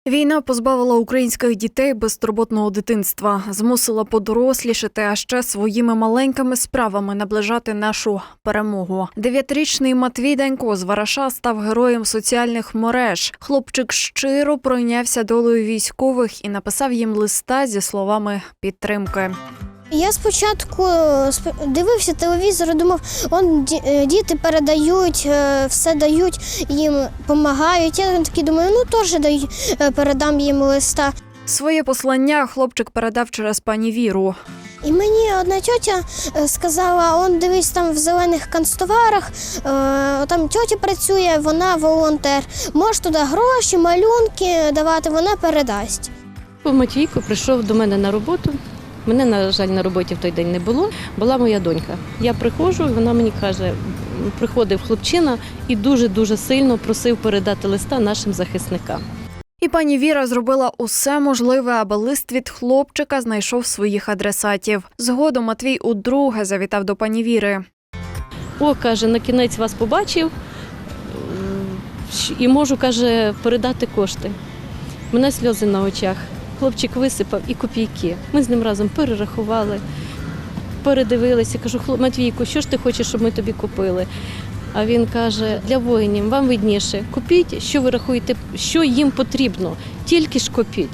Війна позбавила українських дітей безтурботного дитинства, змусила подорослішати, а ще своїми маленькими справами наближати нашу перемогу. 9-річний Матвій Данько з Вараша став героєм соціальних мереж. Хлопчик щиро пройнявся долею військових і написав їм листа зі словами підтримки. Я спочатку дивився телевізор і думав, діти передають, все дають, їм допомагають. Я такий думаю, теж передам їм листа. Своє послання хлопчик передав через пані Віру. І мені одна тьотя сказала, дивись, там в зелених канцтоварах, там тьотя працює, вона волонтер. Можеш туди гроші, малюнки давати, вона передасть. Матвійко прийшов до мене на роботу. Мене, на жаль, на роботі в той день не було. Була моя донька. Я приходжу, і вона мені каже, приходив хлопчина і дуже-дуже сильно просив передати листа нашим захисникам. І пані Віра зробила усе можливе, аби лист від хлопчика знайшов своїх адресатів. Згодом Матвій удруге завітав до пані Віри. Каже, на кінець вас побачив і можу, каже, передати кошти. У мене сльози на очах. Хлопчик висипав і копійки. Ми з ним разом перерахували, передивилися. Кажу, Матвійку, що ж ти хочеш, щоб ми тобі купили? А він каже, для воїнів, вам видніше, купіть, що ви рахуєте, що їм потрібно, тільки ж купіть.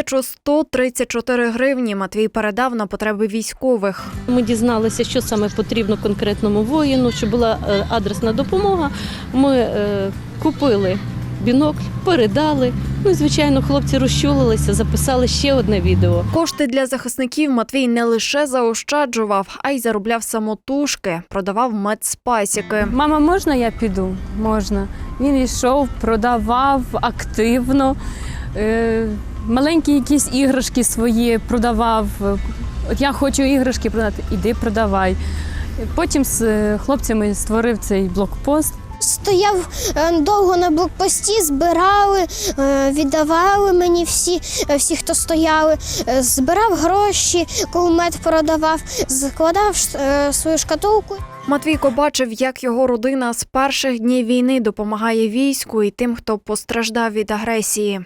1134 гривні Матвій передав на потреби військових. Ми дізналися, що саме потрібно конкретному воїну, щоб була адресна допомога. Ми купили бінокль, передали. І, звичайно, хлопці розчулилися, записали ще одне відео. Кошти для захисників Матвій не лише заощаджував, а й заробляв самотужки, продавав медспасіки. Мама, можна я піду? Можна. Він йшов, продавав активно, маленькі якісь іграшки свої продавав. От я хочу іграшки продати, іди продавай. Потім з хлопцями створив цей блокпост. Стояв довго на блокпості, збирали, віддавали мені всі, хто стояли, збирав гроші, кулемет продавав, складав свою шкатулку. Матвійко бачив, як його родина з перших днів війни допомагає війську і тим, хто постраждав від агресії.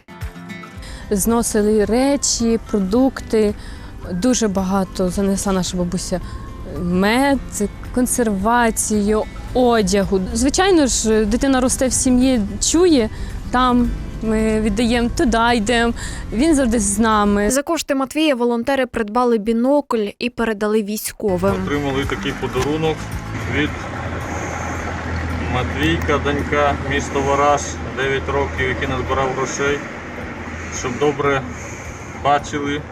Зносили речі, продукти, дуже багато занесла наша бабуся. Мед, консервацію, одягу. Звичайно ж, дитина росте в сім'ї, чує, там ми віддаємо, туди йдемо, він завжди з нами. За кошти Матвія волонтери придбали бінокль і передали військовим. Отримали такий подарунок від Матвійка Данька, місто Вараш, 9 років, який назбирав грошей, щоб добре бачили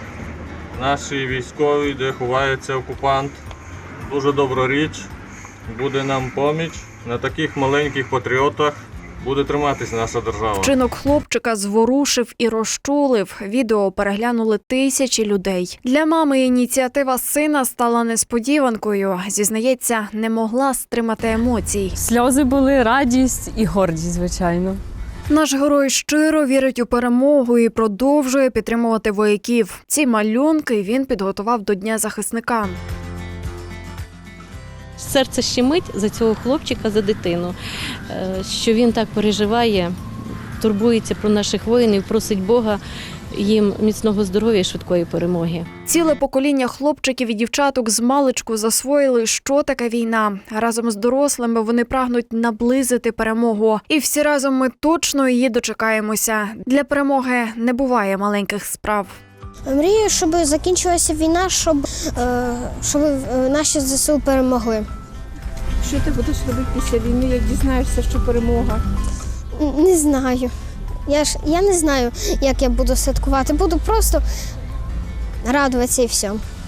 наші військові, де ховається окупант. Дуже добра річ, буде нам поміч. На таких маленьких патріотах буде триматись наша держава. Вчинок хлопчика зворушив і розчулив. Відео переглянули тисячі людей. Для мами ініціатива сина стала несподіванкою. Зізнається, не могла стримати емоцій. Сльози були, радість і гордість, звичайно. Наш герой щиро вірить у перемогу і продовжує підтримувати вояків. Ці малюнки він підготував до Дня захисника. Серце щемить за цього хлопчика, за дитину, що він так переживає, турбується про наших воїнів, просить Бога їм міцного здоров'я і швидкої перемоги. Ціле покоління хлопчиків і дівчаток змалечку засвоїли, що таке війна. Разом з дорослими вони прагнуть наблизити перемогу. І всі разом ми точно її дочекаємося. Для перемоги не буває маленьких справ. Мрію, щоб закінчилася війна, щоб наші ЗСУ перемогли. Що ти будеш робити після війни, як дізнаєшся, що перемога? Не знаю. Я не знаю, як я буду святкувати. Буду просто радуватися і все.